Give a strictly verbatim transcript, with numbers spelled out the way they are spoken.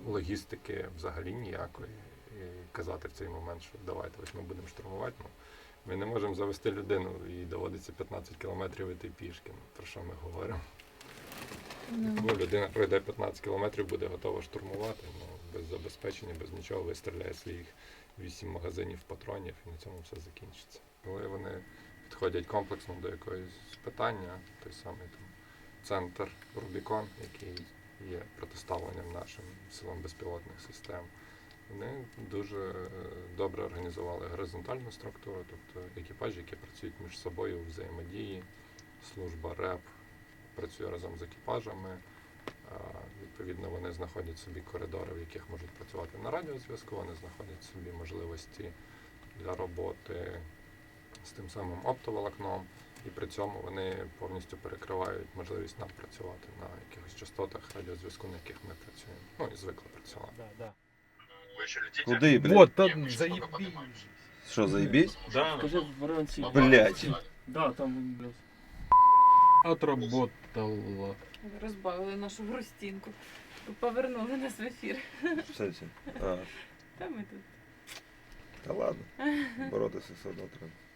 логістики взагалі ніякої. І казати в цей момент, що давайте ось ми будемо штурмувати. Ну, ми не можемо завести людину і доводиться п'ятнадцять кілометрів іти пішки. Ну, про що ми говоримо? Ну. Ну, людина пройде п'ятнадцять кілометрів, буде готова штурмувати, ну, без забезпечення, без нічого, вистріляє своїх вісім магазинів патронів і на цьому все закінчиться. Коли вони підходять комплексно до якогось питання, той самий там центр Рубікон, який є протиставленням нашим силам безпілотних систем, вони дуже добре організували горизонтальну структуру, тобто екіпажі, які працюють між собою у взаємодії, служба РЕП працює разом з екіпажами, відповідно вони знаходять собі коридори, в яких можуть працювати на радіозв'язку, вони знаходять собі можливості для роботи з тим самим оптоволокном, і при цьому вони повністю перекривають можливість нам працювати на якихось частотах радіозв'язку, на яких ми працюємо. Ну і звикли працювати. Да, да. Куди, блядь? Вот, там заебись. Що, заебись? Да. Скажи вранці. Блядь. Да, там блядь. Отработала. Розбавили нашу грустинку. Повернули нас в ефір. В сенсі? А, Та ми тут. та ладно. Боротися все одно треба.